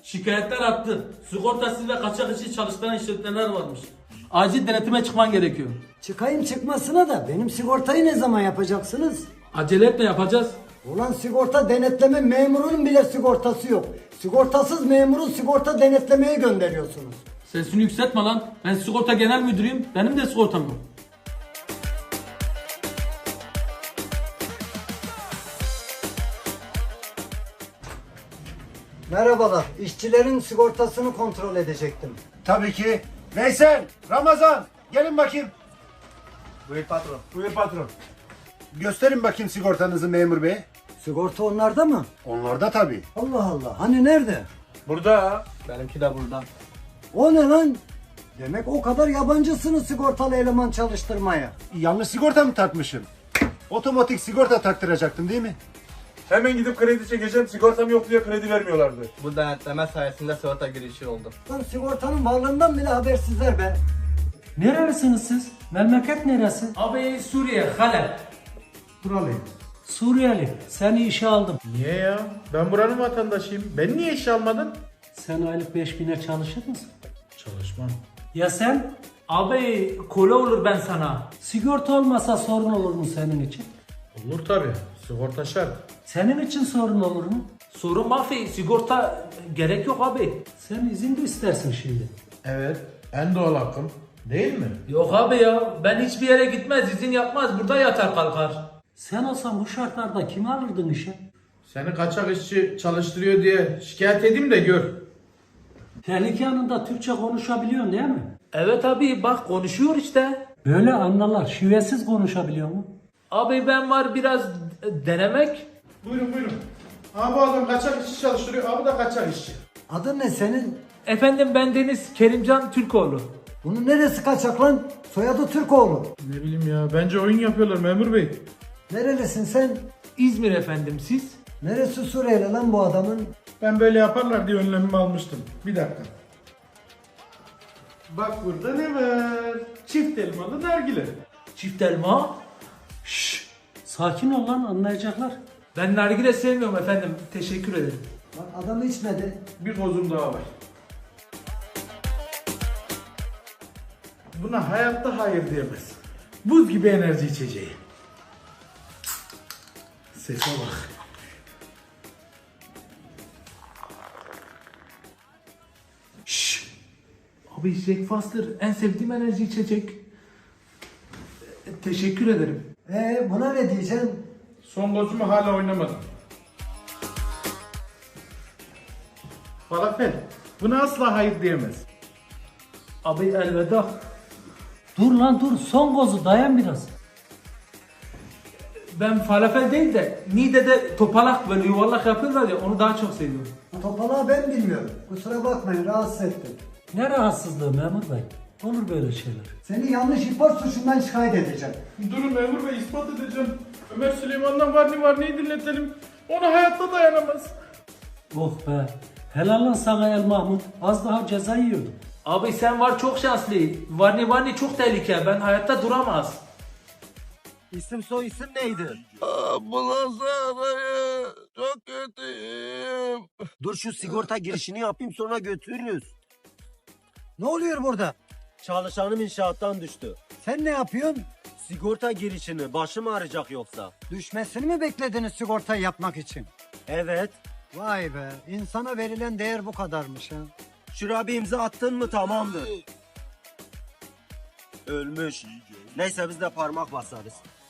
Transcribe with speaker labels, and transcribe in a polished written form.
Speaker 1: Şikayetler arttı. Sigortasız ve kaçak işçi çalıştıran işletmeler varmış. Acil denetime çıkman gerekiyor.
Speaker 2: Çıkayım çıkmasına da benim sigortayı ne zaman yapacaksınız?
Speaker 1: Acele etme, yapacağız.
Speaker 2: Ulan sigorta denetleme memurunun bile sigortası yok. Sigortasız memuru sigorta denetlemeye gönderiyorsunuz.
Speaker 1: Sesini yükseltme lan. Ben sigorta genel müdürüyüm. Benim de sigortam yok.
Speaker 2: Merhabalar, işçilerin sigortasını kontrol edecektim.
Speaker 3: Tabii ki. Veysel, Ramazan, gelin bakayım.
Speaker 4: Buyur patron.
Speaker 3: Buyur patron. Gösterin bakayım sigortanızı memur bey.
Speaker 2: Sigorta onlarda mı?
Speaker 3: Onlarda tabii.
Speaker 2: Allah Allah, hani nerede?
Speaker 4: Burada. Benimki de burada.
Speaker 2: O ne lan? Demek o kadar yabancısınız sigortalı eleman çalıştırmaya.
Speaker 3: Yanlış sigorta mı takmışım? Otomatik sigorta taktıracaktım değil mi?
Speaker 5: Hemen gidip kredi çekeceğim. Sigortam yok diye kredi vermiyorlardı.
Speaker 4: Bu denetleme sayesinde sigorta girişi oldu.
Speaker 2: Lan sigortanın varlığından bile habersizler be.
Speaker 6: Nerelisiniz siz? Memleket neresi?
Speaker 1: Abi Suriye, Halep.
Speaker 3: Buralıyım.
Speaker 6: Suriyeli. Seni işe aldım.
Speaker 5: Niye ya? Ben buranın vatandaşıyım. Ben niye işe almadın?
Speaker 6: Sen aylık 5000'e çalışır mısın?
Speaker 5: Çalışmam.
Speaker 6: Ya sen?
Speaker 1: Abi kola olur ben sana.
Speaker 6: Sigorta olmasa sorun olur mu senin için?
Speaker 5: Olur tabii. Sigorta şart.
Speaker 6: Senin için sorun olur mu?
Speaker 1: Sorun mafi, sigorta gerek yok abi.
Speaker 6: Sen izin de istersin şimdi.
Speaker 5: Evet. En doğal hakkım. Değil mi?
Speaker 1: Yok abi ya, ben hiçbir yere gitmez, izin yapmaz, burada yatar kalkar.
Speaker 6: Sen olsan bu şartlarda kimi alırdın işe?
Speaker 5: Seni kaçak işçi çalıştırıyor diye şikayet edeyim de gör.
Speaker 6: Tehlike anında Türkçe konuşabiliyorsun değil mi?
Speaker 1: Evet abi, bak konuşuyor işte.
Speaker 6: Böyle anlarlar. Şivesiz konuşabiliyor mu?
Speaker 1: Abi ben var biraz denemek.
Speaker 5: Buyurun buyurun. Abi bu adam kaçak işçi çalıştırıyor. Abi da kaçak işçi.
Speaker 2: Adın ne senin?
Speaker 1: Efendim ben Deniz Kerimcan Türkoğlu.
Speaker 2: Bunun neresi kaçak lan? Soyadı Türkoğlu.
Speaker 5: Ne bileyim ya. Bence oyun yapıyorlar memur bey.
Speaker 2: Nerelisin sen?
Speaker 1: İzmir efendim, siz?
Speaker 2: Neresi Suriyeli lan bu adamın?
Speaker 5: Ben böyle yaparlar diye önlemimi almıştım. Bir dakika. Bak burada ne var? Çift elmalı nargile.
Speaker 1: Çift elma.
Speaker 6: Sakin ol lan, anlayacaklar.
Speaker 1: Ben nargile sevmiyorum efendim, teşekkür ederim.
Speaker 2: Bak adam içmedi.
Speaker 5: Bir kozum daha var. Buna hayatta hayır diyemez. Buz gibi enerji içeceği. Sese bak.
Speaker 1: Abi Jack Foster en sevdiğim enerji içecek. Teşekkür ederim.
Speaker 2: Buna ne diyeceksin?
Speaker 5: Son kozumu hala oynamadım. Falafel. Buna asla hayır diyemez.
Speaker 1: Abi elveda.
Speaker 6: Dur lan dur, son gozu dayan biraz.
Speaker 1: Ben falafel değil de Niğde'de topalak böyle yuvarlak yapıyorlar ya, onu daha çok seviyorum.
Speaker 2: Topalağı ben bilmiyorum. Kusura bakmayın rahatsız ettim.
Speaker 6: Ne rahatsızlığı memur bey? Olur böyle şeyler.
Speaker 2: Seni yanlış ihbar suçundan şikayet edeceğim.
Speaker 5: Durun memur bey, ispat edeceğim. Ömer Süleyman'dan var neyi dinletelim. Ona hayatta dayanamaz.
Speaker 6: Oh be. Helal lan sana El Mahmut. Az daha ceza yiyordun.
Speaker 1: Abi sen var çok şanslı. Varni çok tehlike. Ben hayatta duramaz.
Speaker 4: İsim soy isim neydi?
Speaker 7: Ambulans arayın. Çok kötüyüm.
Speaker 4: Dur şu sigorta girişini yapayım sonra götürürüz.
Speaker 2: Ne oluyor burada?
Speaker 4: Çalışanım inşaattan düştü.
Speaker 2: Sen ne yapıyorsun?
Speaker 4: Sigorta girişini başım ağrıyacak yoksa.
Speaker 2: Düşmesini mi beklediniz sigortayı yapmak için?
Speaker 4: Evet.
Speaker 2: Vay be, insana verilen değer bu kadarmış ha.
Speaker 4: Şuraya bir imza attın mı tamamdır. Ölmüş. Neyse biz de parmak basarız.